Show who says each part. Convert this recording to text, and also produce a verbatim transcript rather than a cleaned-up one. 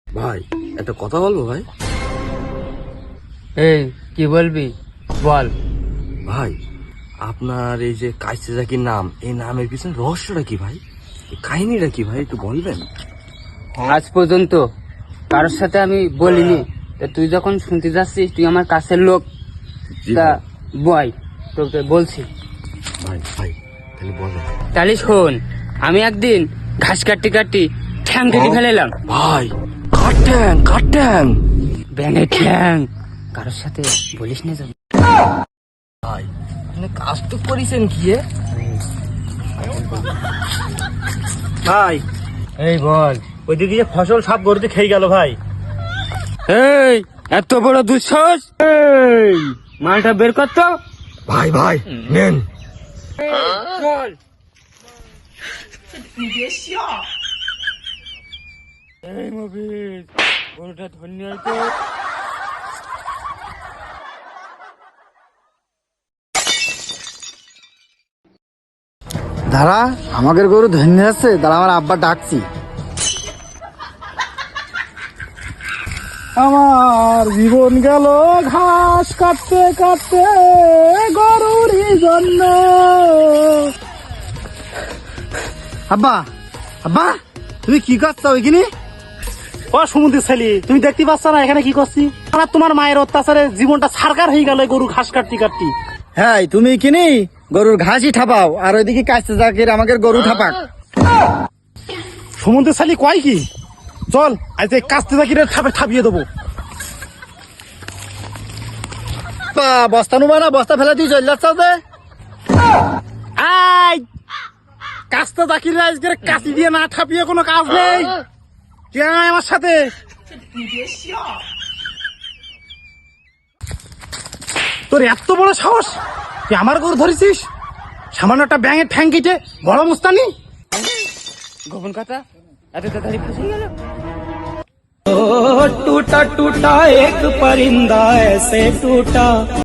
Speaker 1: ভাই একটা কথা বলবো ভাই।
Speaker 2: এই কি বলবি বল।
Speaker 1: ভাই আপনার এই যে কাইসে জাকির নাম, এই নামের পিছনে রহস্যটা কি ভাই? এই কাহিনীটা কি ভাই, একটু বলবেন?
Speaker 2: আজ পর্যন্ত কারোর সাথে আমি বলিনি, তা তুই যখন শুনতে যাচ্ছিস, তুই আমার কাছের লোক,
Speaker 1: জি
Speaker 2: তা
Speaker 1: ভাই।
Speaker 2: বয় তোকে বলছি।
Speaker 1: ভাই ভাই তাহলে বলেন।
Speaker 2: তাহলে শোন, আমি একদিন ঘাস কাটতে কাটতে ঠ্যাং কেটে ফেলেলাম।
Speaker 1: ভাই কার ট্যাং, কার ট্যাং?
Speaker 2: ব্যাঙের ঠ্যাং। কারোর সাথে বলিস না যেন।
Speaker 1: ভাই আপনি কাজ তো করেছেন কি এ?
Speaker 3: ভাই
Speaker 2: এই বল।
Speaker 3: ওইদিকে যে ফসল সব গরুতে খেয়ে গেল ভাই।
Speaker 2: এই এত বড় দুঃসাহস! এই মালটা বের কর তো।
Speaker 1: ভাই ভাই নেন।
Speaker 2: চল। এই মফিজ, গরুটা ধন্য হয়তো।
Speaker 4: দাঁড়া, আমাদের গরু ধন্য আছে, দাঁড়া আমার আব্বা ডাকছি। আমার জীবন গেল ঘাস কাটতে কাটতে গরুর জন্য। আব্বা, আব্বা তুমি কি করছো ওইখানে?
Speaker 3: ও সমুদ্রের ছেলে, তুমি দেখতে পাচ্ছ না এখানে কি করছি? আর তোমার মায়ের অত্যাচারে জীবনটা সারকার হয়ে গেল গরু ঘাস কাটতে কাটতে।
Speaker 4: হ্যাঁ, তুমি কিনি গরুর ঘাসই ঠাপাও, আর ওইদিকে কাছতে জাকির আমাদের গরু ঠাপাক।
Speaker 3: সমুদ্রের ছেলে কয় কি? চল আজ এই কাস্তে জাকিরের ঠাপে ঠাপিয়ে দেবো।
Speaker 4: বা, বস্তা নুবা না, বস্তা ফেলে দিয়ে চল যাচ্ছ যে।
Speaker 3: আই কাস্তে জাকিরের আজকে কাশি দিয়ে না ঠাপিয়ে কোনো কাজ নেই। কে আয় আমার সাথে? তোর এত বড় সাহস, তুই আমার গরু ধরেছিস? সামান্য একটা ব্যাঙের ঠ্যাং কেটে বড় মুস্তানি।
Speaker 2: গোপন কথা এত তাড়াতাড়ি ফাঁসে গেল।
Speaker 5: टूटा टूटा एक परिंदा ऐसे टूटा।